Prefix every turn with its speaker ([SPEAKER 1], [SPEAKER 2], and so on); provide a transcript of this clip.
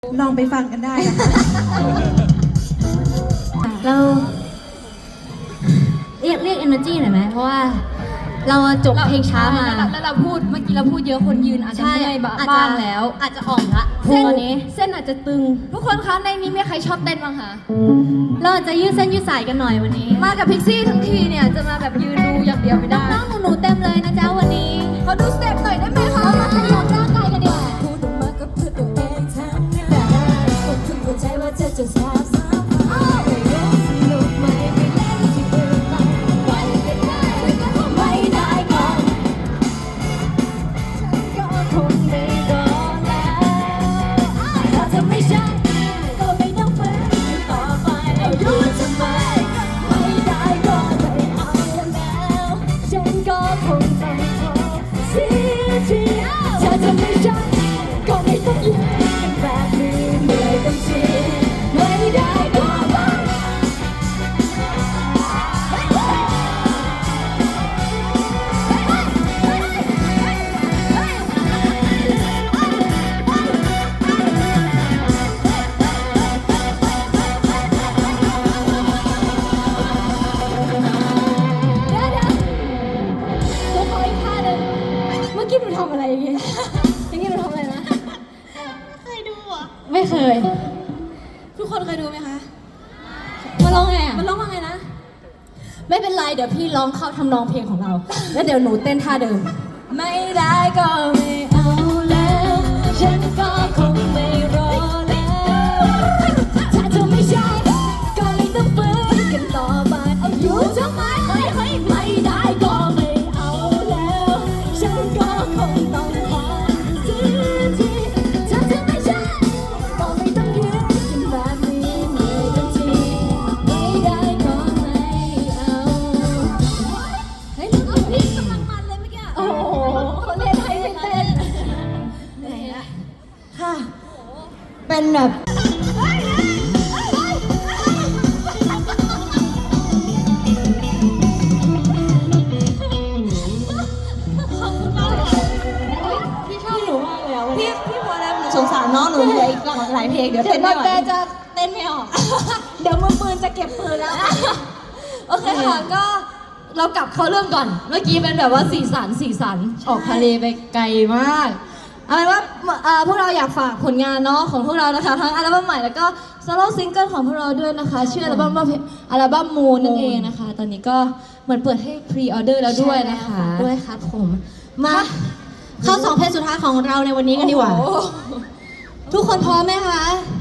[SPEAKER 1] ลองไปฟังกันได้นะคะ
[SPEAKER 2] เราเรียก energy หน่อยไหมเพราะว่าเราจบเพลงช้ามา
[SPEAKER 3] แล้วเราพูดเมื่อกี้เราพูดเยอะคนยืนอาจจะเมื่อยบ้างแล้ว
[SPEAKER 2] อาจจะอ่อนละตอนนี้
[SPEAKER 3] เส้นอาจจะตึงทุกคนคะในนี้มีใครชอบเต้นบ้างคะ
[SPEAKER 2] เราอาจจะยืดเส้นยืดสายกันหน่อยวันนี้
[SPEAKER 3] มากับพิกซี่ทั้งทีเนี่ยจะมาแบบยืนดูอย่างเดียวไม่ได้
[SPEAKER 2] น้องหนูเต็มเลยนะจ๊ะวันนี้
[SPEAKER 3] ขอดูสเต็ปหน่อยได้ไหมคะ
[SPEAKER 2] มาขยับร่างกายกันดีกว่า
[SPEAKER 4] พูดออกมาก็เพื่อตัวเองทั้งนั้นแต่คนคุณเข้าใจว่าเธอจะแซ่บซ้ำไม่รู้สนุกไหมไม่เล่นที่อื่นไปไปกันได้แต่ก็ไม่ได้ก่อนก็คงไม่รอแล้วถ้าเธอไม่ใช่ก็ไม่ต้องฝืนต่อไปเอารู้ทำไมไม่ได้ก็ไม่เอาแล้วฉันก็คงต้องขอเสียทีถ้าเธอไม่ใช่ก็ไม่ต้องยืนกันแบบนี้เหนื่อยเต็มทีไม่ได้ก็ไม่ตัวขออีกท่าหนึ่งเมื่อกี้หนูทำอะไรอย่างเงี้ยอย่างเงี้ยหนูทำอะไรนะไม่เคยทุกคนเคยดูไหมคะมันร้องไงอ่ะมันร้องว่าไงนะไม่เป็นไรเดี๋ยวพี่ร้องเข้าทำนองเพลงของเราแล้วเดี๋ยวหนูเต้นท่าเดิมไม่ได้ก็ไม่เอาแล้วฉันก็คงไม่รอแล้วถ้าเธอไม่ใช่ก็ไม่ต้องฝืนกันต่อไปเอาอยู่ทำไมไม่ได้ก็ไม่เอาแล้วฉันก็คงต้องขอเสียทีถ้าเธอไม่ใช่ก็ไม่ต้องยืนกันแบบนี้เหนื่อยเต็มทีไม่ได้ก็ไม่เอาเฮ้ยแล้วก็พี่กำลังมันเลยเมื่อกี้โอ้โหเขาเล่นให้ไม่เต้นเหนื่อยละค่ะเป็นแบบพี่หนูมากเลยอ่ะวันนี้พี่พอแล้วหนูสงสารน้องหนูเหลืออีกหลายเพลงเดี๋ยวเต้นไม่ไหวจะเต้นไม่ออกเดี๋ยวมือปืนจะเก็บปืนแล้วโอเคค่ะก็เรากลับเข้าเรื่องก่อนเมื่อกี้เป็นแบบว่าสีสันออกทะเลไปไกลมากเอาเป็นว่าพวกเราอยากฝากผลงานเนาะของพวกเรานะคะทั้งอัลบั้มใหม่แล้วก็โซโล่ซิงเกิลของพวกเราด้วยนะคะชื่ออัลบั้มว่ามูนนั่นเองนะคะตอนนี้ก็เหมือนเปิดให้พรีออเดอร์แล้วด้วยนะคะด้วยครับผมมาเข้า2เพลงสุดท้ายของเราในวันนี้กันดีกว่าทุกคนพร้อมไหมคะ